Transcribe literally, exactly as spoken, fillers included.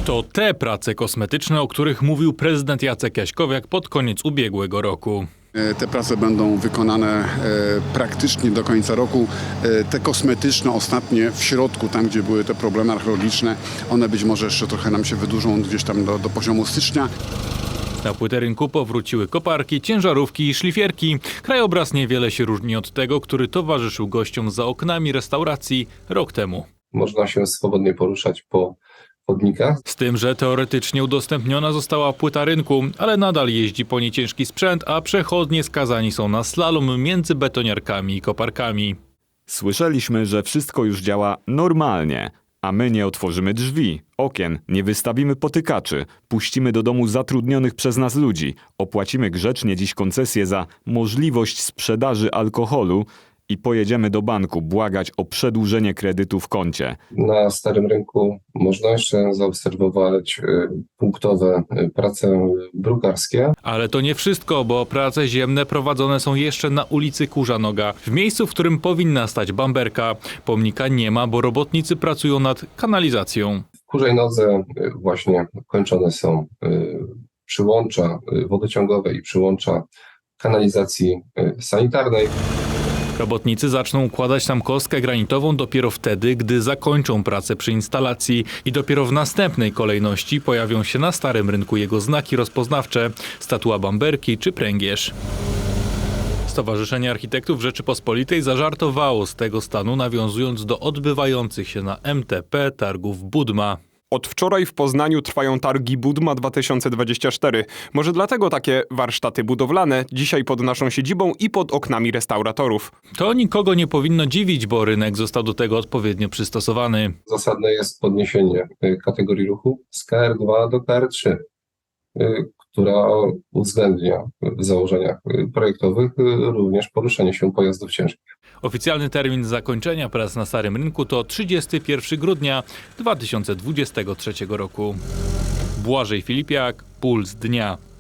To te prace kosmetyczne, o których mówił prezydent Jacek Jaśkowiak pod koniec ubiegłego roku. Te prace będą wykonane praktycznie do końca roku. Te kosmetyczne, ostatnie w środku, tam gdzie były te problemy archeologiczne, one być może jeszcze trochę nam się wydłużą gdzieś tam do, do poziomu stycznia. Na płytę rynku powróciły koparki, ciężarówki i szlifierki. Krajobraz niewiele się różni od tego, który towarzyszył gościom za oknami restauracji rok temu. Można się swobodnie poruszać po chodnikach. Z tym, że teoretycznie udostępniona została płyta rynku, ale nadal jeździ po niej ciężki sprzęt, a przechodnie skazani są na slalom między betoniarkami i koparkami. Słyszeliśmy, że wszystko już działa normalnie, a my nie otworzymy drzwi, okien, nie wystawimy potykaczy, puścimy do domu zatrudnionych przez nas ludzi, opłacimy grzecznie dziś koncesję za możliwość sprzedaży alkoholu i pojedziemy do banku błagać o przedłużenie kredytu w koncie. Na Starym Rynku można jeszcze zaobserwować punktowe prace brukarskie. Ale to nie wszystko, bo prace ziemne prowadzone są jeszcze na ulicy Kurzanoga, w miejscu, w którym powinna stać bamberka. Pomnika nie ma, bo robotnicy pracują nad kanalizacją. W Kurzej Nodze właśnie kończone są przyłącza wodociągowe i przyłącza kanalizacji sanitarnej. Robotnicy zaczną układać tam kostkę granitową dopiero wtedy, gdy zakończą pracę przy instalacji i dopiero w następnej kolejności pojawią się na Starym Rynku jego znaki rozpoznawcze, statua bamberki czy pręgierz. Stowarzyszenie Architektów Rzeczypospolitej zażartowało z tego stanu, nawiązując do odbywających się na M T P targów Budma. Od wczoraj w Poznaniu trwają targi Budma dwa tysiące dwadzieścia cztery. Może dlatego takie warsztaty budowlane dzisiaj pod naszą siedzibą i pod oknami restauratorów. To nikogo nie powinno dziwić, bo rynek został do tego odpowiednio przystosowany. Zasadne jest podniesienie kategorii ruchu z K R dwa do K R trzy, która uwzględnia w założeniach projektowych również poruszanie się pojazdów ciężkich. Oficjalny termin zakończenia prac na Starym Rynku to trzydziestego pierwszego grudnia dwa tysiące dwudziestego trzeciego roku. Błażej Filipiak, Puls Dnia.